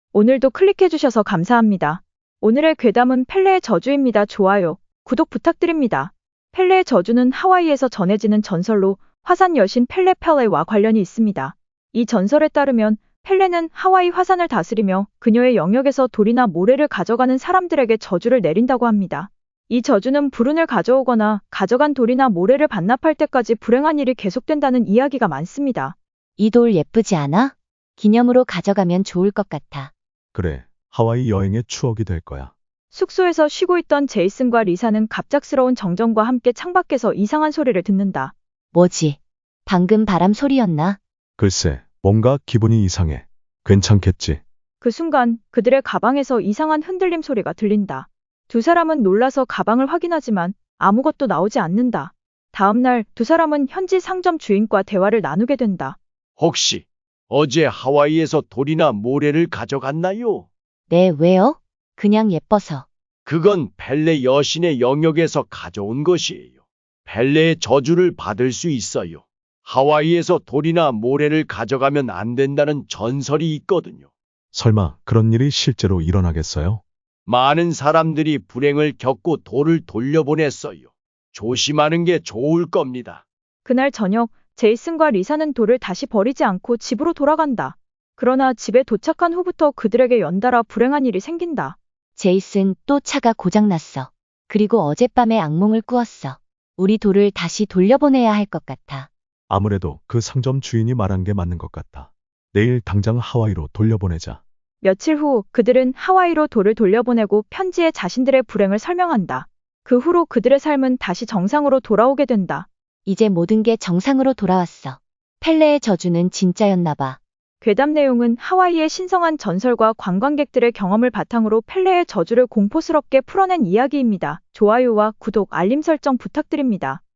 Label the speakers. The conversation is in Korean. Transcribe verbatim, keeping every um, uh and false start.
Speaker 1: 오늘도 클릭해주셔서 감사합니다. 오늘의 괴담은 펠레의 저주입니다. 좋아요, 구독 부탁드립니다. 펠레의 저주는 하와이에서 전해지는 전설로 화산 여신 펠레 펠레와 관련이 있습니다. 이 전설에 따르면 펠레는 하와이 화산을 다스리며 그녀의 영역에서 돌이나 모래를 가져가는 사람들에게 저주를 내린다고 합니다. 이 저주는 불운을 가져오거나 가져간 돌이나 모래를 반납할 때까지 불행한 일이 계속된다는 이야기가 많습니다.
Speaker 2: 이 돌 예쁘지 않아? 기념으로 가져가면 좋을 것 같아.
Speaker 3: 그래, 하와이 여행의 추억이 될 거야.
Speaker 1: 숙소에서 쉬고 있던 제이슨과 리사는 갑작스러운 정전과 함께 창밖에서 이상한 소리를 듣는다.
Speaker 2: 뭐지? 방금 바람 소리였나?
Speaker 3: 글쎄, 뭔가 기분이 이상해. 괜찮겠지?
Speaker 1: 그 순간 그들의 가방에서 이상한 흔들림 소리가 들린다. 두 사람은 놀라서 가방을 확인하지만 아무것도 나오지 않는다. 다음 날 두 사람은 현지 상점 주인과 대화를 나누게 된다.
Speaker 4: 혹시 어제 하와이에서 돌이나 모래를 가져갔나요?
Speaker 2: 네, 왜요? 그냥 예뻐서.
Speaker 4: 그건 펠레 여신의 영역에서 가져온 것이에요. 펠레의 저주를 받을 수 있어요. 하와이에서 돌이나 모래를 가져가면 안 된다는 전설이 있거든요.
Speaker 3: 설마 그런 일이 실제로 일어나겠어요?
Speaker 4: 많은 사람들이 불행을 겪고 돌을 돌려보냈어요. 조심하는 게 좋을 겁니다.
Speaker 1: 그날 저녁 제이슨과 리사는 돌을 다시 버리지 않고 집으로 돌아간다. 그러나 집에 도착한 후부터 그들에게 연달아 불행한 일이 생긴다.
Speaker 2: 제이슨, 또 차가 고장났어. 그리고 어젯밤에 악몽을 꾸었어. 우리 돌을 다시 돌려보내야 할 것 같아.
Speaker 3: 아무래도 그 상점 주인이 말한 게 맞는 것 같아. 내일 당장 하와이로 돌려보내자.
Speaker 1: 며칠 후 그들은 하와이로 돌을 돌려보내고 편지에 자신들의 불행을 설명한다. 그 후로 그들의 삶은 다시 정상으로 돌아오게 된다.
Speaker 2: 이제 모든 게 정상으로 돌아왔어. 펠레의 저주는 진짜였나 봐.
Speaker 1: 괴담 내용은 하와이의 신성한 전설과 관광객들의 경험을 바탕으로 펠레의 저주를 공포스럽게 풀어낸 이야기입니다. 좋아요와 구독, 알림 설정 부탁드립니다.